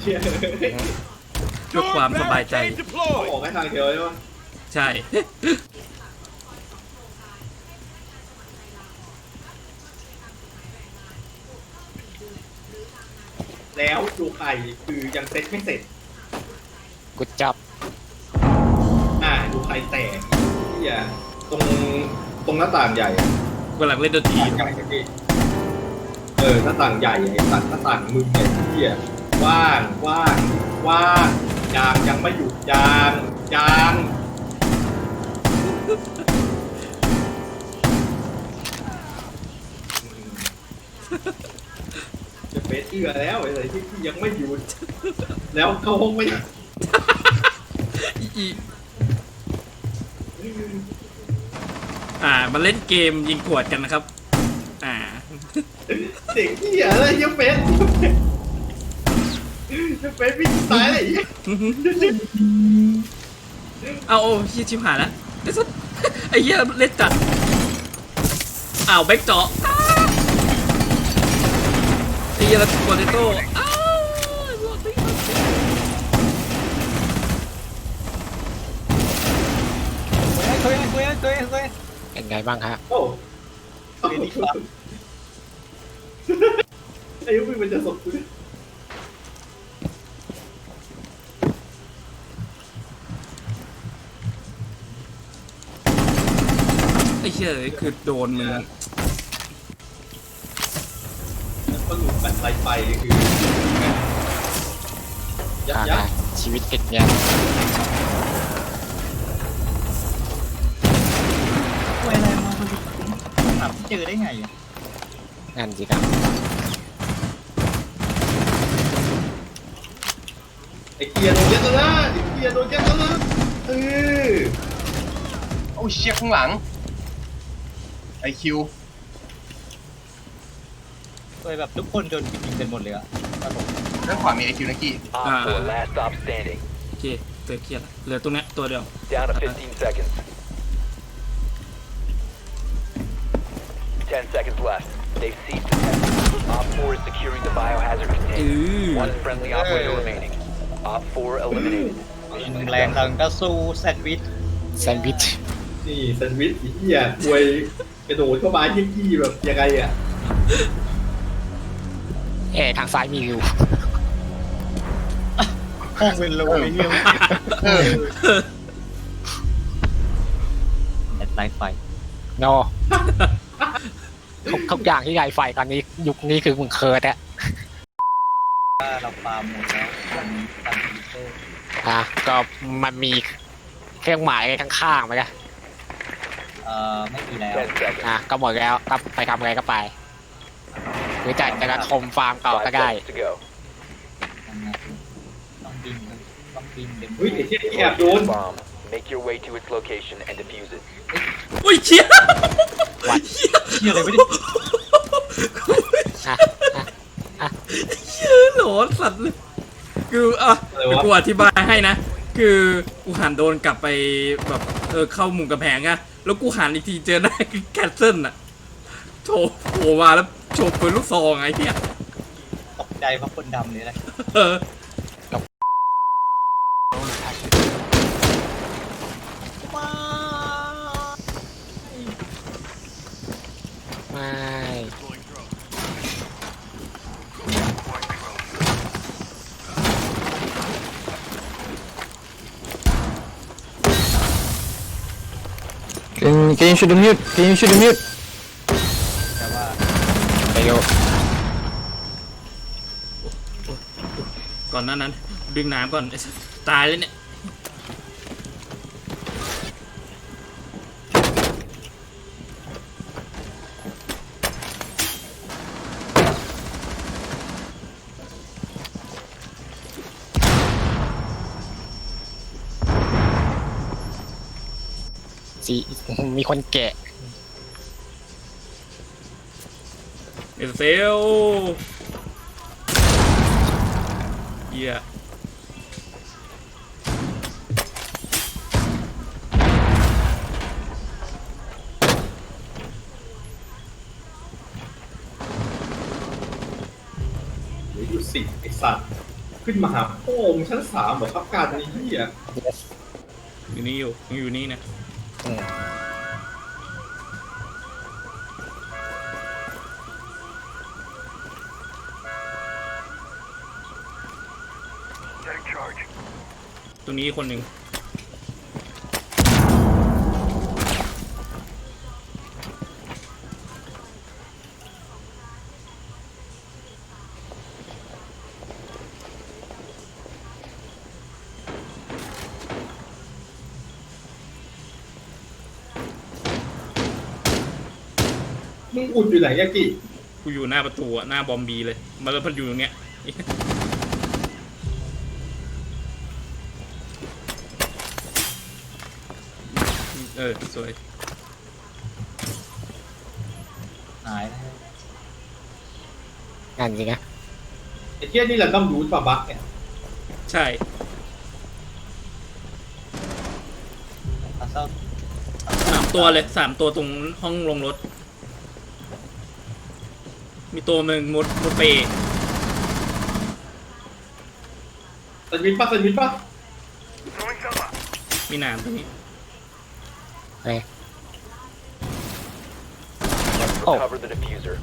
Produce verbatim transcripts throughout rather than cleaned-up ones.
เพื่อความสบายใจออกให้ทางเดียวใช่ไหมใช่แล้วดูไข่คือยังเซ็ตไม่เสร็จกูจับอ่าดูไข่แตกที่อ่ะตรงตรงหน้าต่างใหญ่กำลังเล่นดนตรีใหญ่ที่เออหน้าต่างใหญ่ไอ้ตัดหน้าต่างมึงเนี่ยที่อ่ะว่างว่างว่างยางยังไม่หยุดยางยางจะเฟซเชื่อแล้วไอ้ที่ที่ยังไม่หยุดแล้วเข้าห้องไม่ได้อ่ามาเล่นเกมยิงขวดกันนะครับอ่าเด็กที่อะไรยังเฟซยังเฟซวิ่งตายอะไรเอาโอ้เฮียชิบหายแล้วไอ้เฮียเล่นจัดอ้าวแบ็กเจาะไอ้เฮียแล้วโปเตโต้คุยคุยคุยคุยเป็นไงบ้างครับโอ้ไอ้ยุ้ยมันจะสดเลยไอ้เชี่ยคือโดนมึงแล้วก็หลุดแบบไฟคือยักษ์ชีวิตติดเนี่ยคุยอะไรมาคนถามเจอได้ไงนั่นสิครับไอ้เกียร์โดนยัดแล้วนะไอ้เกียร์โดนยัดแล้วนะเออโอ้เชี่ยข้างหลังไอคิวคุยแบบทุกคนโดนยิงกันหมดเลยอะด้านขวามีไอคิวนะกี้อ่าโอเคเจอเครียดเหลือตรงนี้ตัวเดียว ten seconds left. They've seized the test. Op four is securing the biohazard container. One friendly operator remaining. Op four eliminated. แรงดังก็สู้แซนด์วิชแซนด์วิชนี่แซนด์วิชอีเหี้ยป่วยกระโดดเข้ามายี่กี้แบบยังไงอ่ะเอ๋ทางซ้ายมีวิวห้องเป็นโลเลยเฮียแอดไลท์ไฟโนทุกทุกอย่างที่ใหญ่ไฟตอนนี้ยุคนี้คือมึงเคิร์ดอะเราปาหมดแล้วมันตันพิเตอร์อ่ะก็มันมีเครื่องหมายข้างๆไหมล่ะเอ่อไม่มีแล้วอ่ะก็หมดแล้วก็ไปทำอะไรก็ไปหรือจะจะกระทมฟาร์มเก่าก็ได้ต้องบินต้องบินเป็นเฮ้ยไอ้เหี้ยแอบโดน Make your way to its location and defuse it. อุ้ยเชี่ยวัดเชี่ยอะไรไม่ได้เชี่ยหลอนสัตว์เลยคืออ่ะกูอธิบายให้นะคือกูหันโดนกลับไปแบบเออเข้ามุมกระแพงอะแล้วกูหันอีกทีเจอได้คือแคทเซิลอะโชว์โผล่มาแล้วโชว์ปืนลูกซองไอ้เหี้ยตกใจเพราะคนดำเลยนะเออไม่ Can can you shoot the mute? Can you shoot the mute? แต่ว่าไปโยก่อนหน้านั้นดึงน้ำก่อนตายเลยเนี่ยสีมีคนแกะเอเซลเหี้ยเหลืออยู่สิบไอ้สัตว์ขึ้นมาหาพ่อมึงชั้นสามเหรอครับการไอ้เหี้ยอยู่นี่อยู่ยังอยู่นี่นะอืมตรงนี้คนหนึ่งมึงอุดอยู่ไหนยากิกูอยู่หน้าประตูอะหน้าบอมบีเลยมาแล้วพันอยู่ตรงเนี้ยเออสวยหายนะงานจริงนะไอ้เหี้ยนี่แหละต้องรู้ป่ะบักเนี่ยใช่อาเศร้าสามตัวเลยสามตัวตรงห้องลงรถ มีตัวหนึ่งมุดมุดเปย์สวิตช์ป่ะสวิตช์ป่ะมีหนามตรงนี้เฮ้ย Recover the diffuser.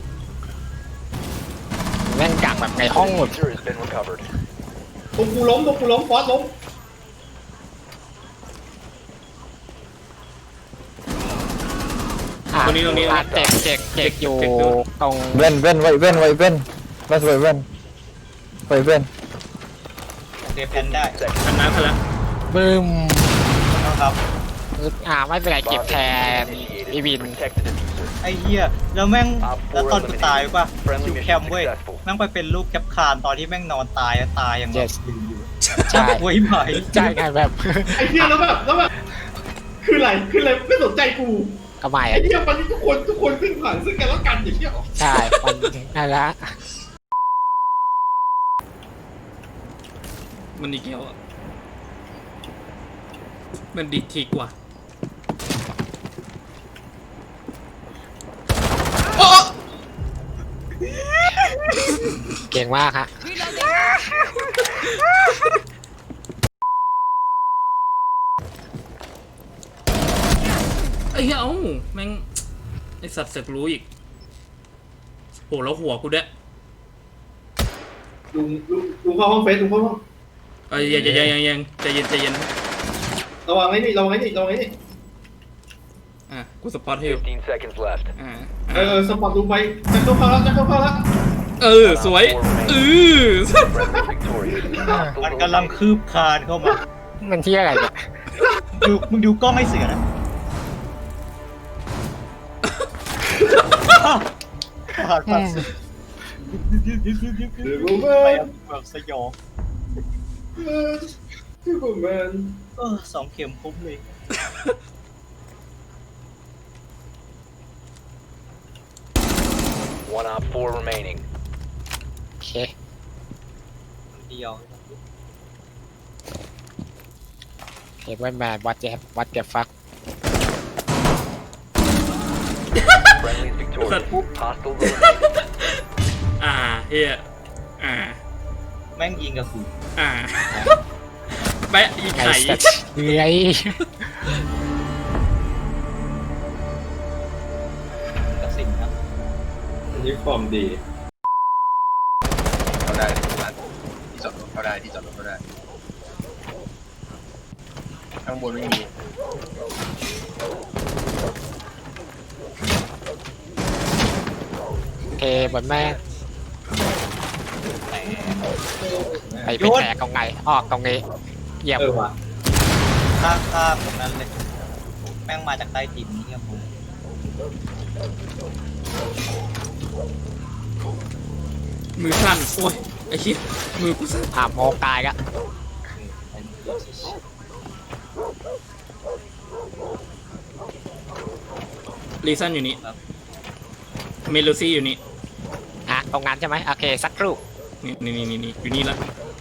แม่งกักแบบในห้องหมด Diffuser has been recovered. ตรงกูล้มตรงกูล้มฟอสล้มอ่ะตรงนี้ตรงนี้อ่ะเจ็กเจ็กเจ็กอยู่เจ็กด้วยตรง Ven, ven, wait, ven, wait, ven. Let's wait, ven. Wait, ven. เดฟแพนได้ทันนะทันละบึ้มครับอ่าไม่เป็นไรเก็บแทนอีวิน Protect the diffuser. ไอ้เหี้ยแล้วแม่งแล้วตอนกูตายป่ะอยู่แคมป์เว้ยแม่งไปเป็นลูกแคปคานตอนที่แม่งนอนตายอะตายอย่างแบบ Yes อยู่ใช่ไว้ไหมใช่ไงแบบไอ้เหี้ยแล้วแบบแล้วแบบคืออะไรคืออะไรไม่สนใจกูก็ไม่ไอ้อะเหี้ยวันนี้ทุกคนทุกคนขึ้นผ่านซึ่งกันแล้วกันอย่างเงี้ยหรอใช่มันนั่นละมันดีเกียวอะมันดีทีกว่าโอ้เก่งมากฮะไอ้เหี้ยเอ้าแม่งไอสัตว์เสือกรู้อีกโหแล้วหัวกูด้วยลุงลุงลุงเข้าห้องเฟสลุงเข้าห้องเอ้ยยังยังยังยังใจเย็นใจเย็นระวังไอ้นี่ระวังไอ้นี่ระวังไอ้นี่อ่ะกูสปอตให้อยู่ fifteen seconds left. อ่าเออสปอร์ตลุงไปจะเข้าเข้าแล้วจะเข้าเข้าแล้วเออสวยเออ Friendly victorious. มันกำลังคืบคลานเข้ามามันที่อะไรเนี่ยดูมึงดูกล้องให้เสือนะผ่านผ่านเดี๋ยวกูแมไปนแบบสยองเดี๋ยวกูแมนเออสองเข็มคุ้มเลย One op four remaining. โอเคเดียวเห็นว่าแมนวัดเจ็บวัดเจ็บฟัก Friendly is victorious. Hostile eliminated. อ่าเฮียอ่าแม่งยิงกับกูอ่าแปะอีไก่ไข่สัตว์เลื้อยกับสิ่งครับอันนี้ความดีเขาได้ที่ร้านที่จอดรถเขาได้ที่จอดรถเขาได้ข้างบนไม่มีโอเคบนแม่ไปไปแตกตรงไหนออกตรงนี้เยี่ยมเออว่ะข้างข้างตรงนั้นเลย แม่งมาจากใต้ดินนี่ครับผมมือสั่นโอ้ยไอ้เหี้ยมือกูสั่นอ่าโมกตายก็ลีซันอยู่นี่เมโลซี่อยู่นี่อ่ะตรงนั้นใช่ไหมโอเคสักครู่นี่นี่นี่นี่อยู่นี่ละ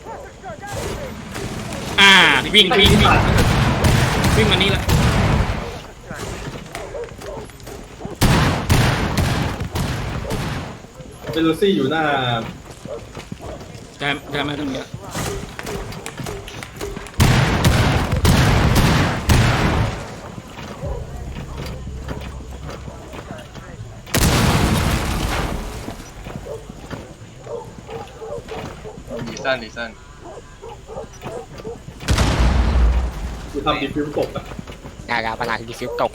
อ่าวิ่งวิ่งวิ่งวิ่งมานี่ละเบลูซี่อยู่หน้าได้ได้ไหมตรงนี้ละดีซันดีซันกูทำดีฟิวตกอะงานการพนันดีฟิวตก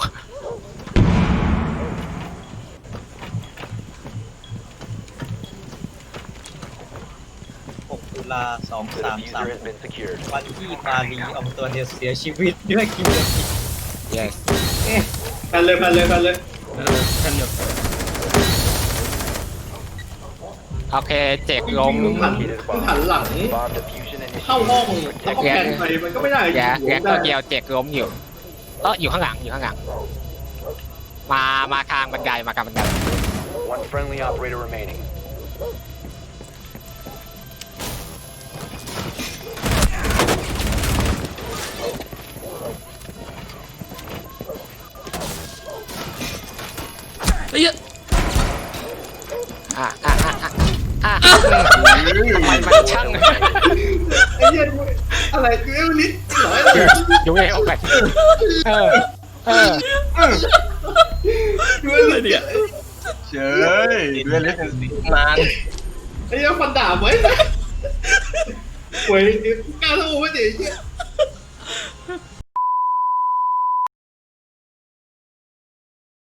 หกตุลาสอง The สามสาม diffuser has been secured. วันที่มารีอองตัวเดียวเสียชีวิตด้วยกิมเบอร์ yes แพนเลยแพนเลยแพนเลยเออแค่เดียวโอเคเจ็กล้มมึงหันมึงหันหลัง Bomb diffusion เข้า initiated. ห้องแล้วก็แพนไปมันก็ไม่ได้แกหัวแกได้ตัวเดียวเจ็กล้มอยู่เอออยู่ข้างหลังอยู่ข้างหลัง มามาทางบันไดมาทางบันได One friendly operator remaining. ไอ้เหี้ยอ่ะอ่ะอ่ะอ่ะอ่ะมันมันช่างไอ้เหี้ยอะไรกูเอวลิสเหรออะไรอยู่เอวไปเออเออกูเอวอะไรลิสเนี่ยเฉยเล่นเล่นนานไอ้เหี้ยฟันดาบไว้นะโวยกล้าโลไว้ดิไอ้เหี้ย